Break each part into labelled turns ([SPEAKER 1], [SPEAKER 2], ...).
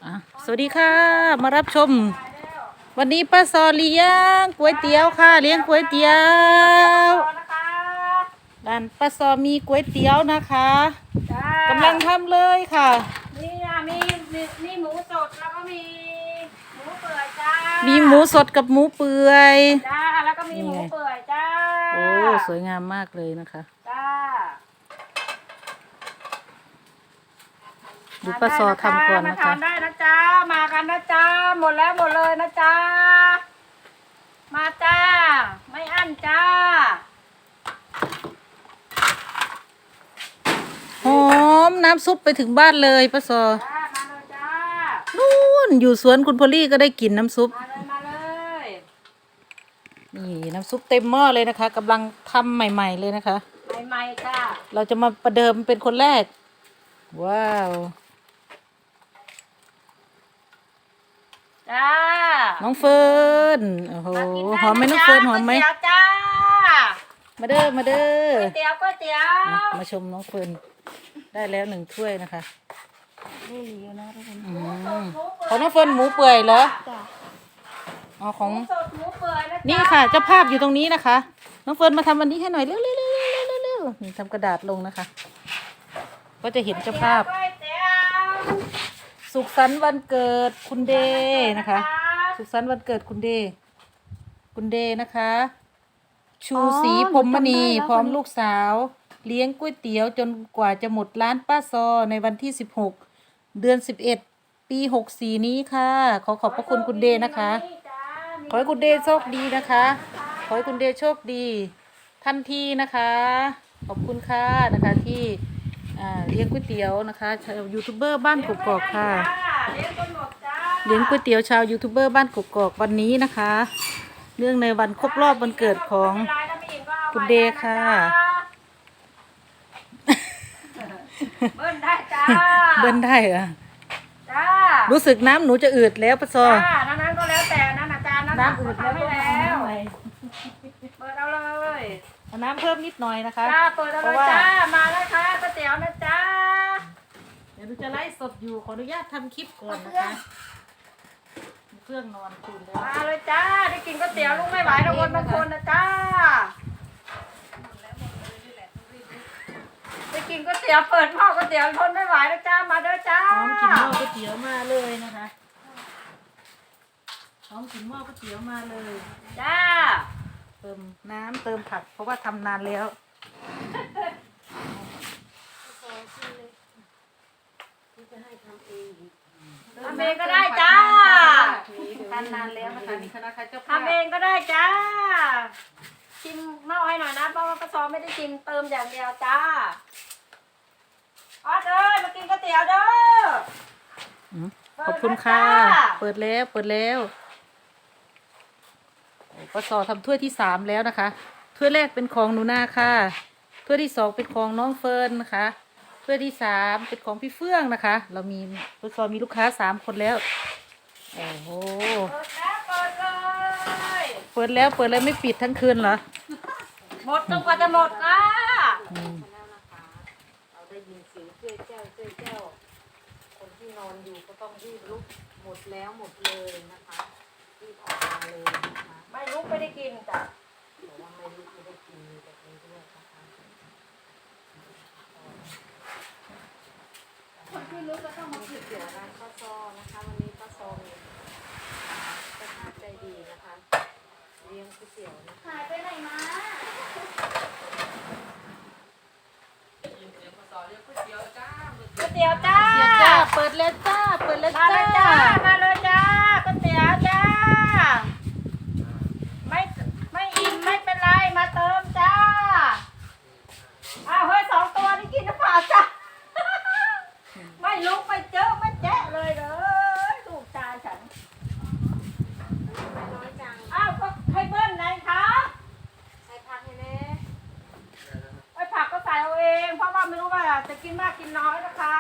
[SPEAKER 1] อ่ะสวัสดีค่ะมารับชมวันนี้ป้าซอเลี้ยงก๋วยเตี๋ยวค่ะเลี้ยงก๋วยเตี๋ยวร้านป้าซอมีก๋วยเตี๋ยวนะคะกำลังทำเลยค่ะ
[SPEAKER 2] นี่อ่ะมีหมูสดแล้วก็มีหมูเปื่อยจ้า
[SPEAKER 1] มีหมูสดกับหมูเปื่อย
[SPEAKER 2] จ้าแล้วก็มีหมูเปื่อยจ้า
[SPEAKER 1] โอ้สวยงามมากเลยนะคะ
[SPEAKER 2] จ้า
[SPEAKER 1] ดูป้าซอทำก่อน
[SPEAKER 2] มา
[SPEAKER 1] นะคะ
[SPEAKER 2] ทานได้นะจ้ามากันนะจ้าหมดแล้วหมดเลยนะจ้ามาจ้าไม่อั้นจ้า
[SPEAKER 1] หอมน้ำซุปไปถึงบ้านเลยป้าซอ
[SPEAKER 2] จ้ามาเลยจ้า
[SPEAKER 1] นู่นอยู่สวนคุณพอลลี่ก็ได้กลิ่นน้ำซุป
[SPEAKER 2] มาเลย
[SPEAKER 1] นี่น้ำซุปเต็มหม้อเลยนะคะกำลังทำใหม่ๆเลยนะคะ
[SPEAKER 2] ใหม่ๆจ้า
[SPEAKER 1] เราจะมาประเดิมเป็นคนแรกว้าว
[SPEAKER 2] จ้า
[SPEAKER 1] น้องเฟิร์นโอ้โหหอมไหมน้องเฟิร์นหอมไหม
[SPEAKER 2] ก๋วยเตี๋ยวจ้า
[SPEAKER 1] มาเด้อมาเด้อ
[SPEAKER 2] ก๋วยเตี๋ยวก๋วยเตี๋ยว
[SPEAKER 1] มาชมน้องเฟิร์นได้แล้ว1 ถ้วยนะคะของน้องเฟิร์นหมูเปื่อยเหรออ๋อของ
[SPEAKER 2] หมูสดหมูเปื่อยนะ
[SPEAKER 1] นี่ค่ะเจ้าภาพอยู่ตรงนี้นะคะน้องเฟิร์นมาทำวันนี้ให้หน่อยเร็วๆนี่ทำกระดาษลงนะคะก็จะเห็นเจ้าภาพสุขสันต์วันเกิดคุณเดนะคะสุขสันต์วันเกิดคุณเดนะคะ ชูศรีพรหมณีพร้อมลูกสาวเลี้ยงก๋วยเตี๋ยวจนกว่าจะหมดร้านป้าซอในวันที่16 เดือน 11 ปี64นี้ค่ะขอบพระคุณคุณเดนะคะขอให้คุณเดโชคดีนะคะขอให้คุณเดโชคดีทันทีนะคะขอบคุณค่ะนะคะที่เลี้ยงก๋วยเตี๋ยวนะคะชาวยูทูบเบอร์บ้านกกอกค่ะเลี้ยงก๋วยเตี๋ยวชาวยูทูบเบอร์บ้านกกอกวันนี้นะคะเนื่องในวันครบรอบวันเกิดของคุณเดค่ะ
[SPEAKER 2] เบิ้ลได้จ้า
[SPEAKER 1] เบิ้ลได้เหรอ
[SPEAKER 2] จ้า
[SPEAKER 1] รู้สึกน้ำหนูจะอืดแล้วป้าซอ
[SPEAKER 2] จ้านั้นก็แล้วแต่นั้นอาจารย์
[SPEAKER 1] น้ำอืดแล้ว
[SPEAKER 2] ไม่แล้วเปิดเอาเลย
[SPEAKER 1] เอาน้ำเพิ่มนิดหน่อยนะคะ
[SPEAKER 2] จ้าเปิดเอาเลยจ้ามาแล้วค่ะก๋วยเตี๋ยวนะจ้า
[SPEAKER 1] เดี๋ยวหนูจะไลฟ์สดอยู่ขออนุญาตทำคลิปก่อนนะคะเครื่องนอนคืนแล้ว
[SPEAKER 2] มาเลยจ้าได้กินก๋วยเตี๋ยวลูกไม่ไหวทุกคนบางคนนะจ้าได้กินก๋วยเตี๋ยวเปิดหม้อก๋วยเตี๋ยวทนไม่ไหวแล้วจ้ามาเด้อจ้า
[SPEAKER 1] พร้อมกินหม้อก๋วยเตี๋ยวมาเลยนะคะพร้อมกินหม้อก๋วยเตี๋ยวมาเลย
[SPEAKER 2] จ้า
[SPEAKER 1] เติมน้ำเติมผักเพราะว่าทำนานแล้ว
[SPEAKER 2] ทำเองก็ได้จ้า
[SPEAKER 1] ทำนานแล้วนะคะนี่คณะเจ้าภาพ
[SPEAKER 2] ทำเองก็ได้จ้าชิมหม้อให้หน่อยนะเพราะว่ากระซอไม่ได้ชิมเติมอย่างเดียวจ้าอ๋อเด้อมากินก๋วยเตี๋ยวเด้อ
[SPEAKER 1] ขอบคุณค่ะเปิดแล้วป้าซอทำถ้วยที่3แล้วนะคะถ้วยแรกเป็นของหนูนาค่ะถ้วยที่2เป็นของน้องเฟิร์นนะคะถ้วยที่3เป็นของพี่เฟื่องนะคะเรามีป้าซอมีลูกค้า3 คนแล้วโอ้โหเปิดเลยไม่ปิดทั้งคืนเหรอ
[SPEAKER 2] หมดจนกว่าจะหมดค่ะ
[SPEAKER 1] เราได้ยินเสียงเจ้าคนที่นอนอยู่ก็ต้องรีบลุกหมดแล้วหมดเลยนะคะรีบออกมาเลยนะคะ
[SPEAKER 2] ไม่ลุกไม่ได้กินจ้ะ
[SPEAKER 1] บอกว่าไม่ลุกไม่ได้กินแบบนี้ด้วยนะคะ
[SPEAKER 2] คนที่ลุกก็ต้องมาผิด
[SPEAKER 1] เกี่ยวร้านป้าซอนะคะวันนี้ป้าซอมีประธานใจดีนะคะเลี้ยงก๋วยเตี๋ยวนะคะ
[SPEAKER 2] หายไปไหนมาก๋วยเตี๋ยวจ้า
[SPEAKER 1] เปิดแล้วจ้า
[SPEAKER 2] มาเลยจ้ามาเลยจ้าก๋วยเตี๋ยวจ้าไม่อิ่มไม่เป็นไรมาเติมจ้าอ้าวเฮ้ย2 ตัวนี่กินน้ำเปล่าจ้าไม่ลุกไม่เจอไม่แจ๊ะเลยเลยถูกจานฉันอ้าวก็ให้เบิ้ลไหนคะ
[SPEAKER 1] ใส่ผักให้แน่
[SPEAKER 2] ไอ้ผักก็ใส่เอาเองเพราะว่าไม่รู้ว่าจะกินมากกินน้อยนะคะ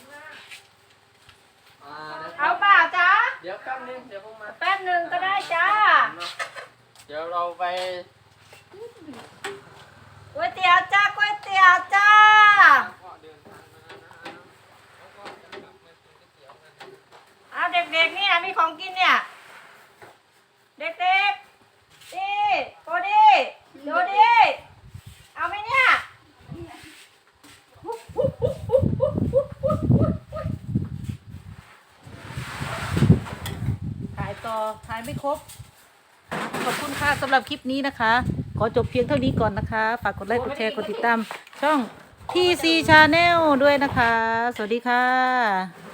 [SPEAKER 2] เอาเปล่าจ๊ะ
[SPEAKER 3] เดี๋ยวแป๊บนึงเดี๋ยวผมมา
[SPEAKER 2] แป๊บหนึ่งก็ได้จ้า
[SPEAKER 3] เดี๋ยวเราไป
[SPEAKER 2] ก๋วยเตี๋ยวจ้าก๋วยเตี๋ยวจ้าด็กๆเนี่ยมีของกินเนี่ย เด็กๆดีโกดีโดดีเอาไหมเนี่ย
[SPEAKER 1] ขายต่อขายไม่ครบ ขอบคุณค่ะสำหรับคลิปนี้นะคะ ขอจบเพียงเท่านี้ก่อนนะคะ ฝากกดไลค์กดแชร์กดติดตามช่อง TC Channel ด้วยนะคะ สวัสดีค่ะ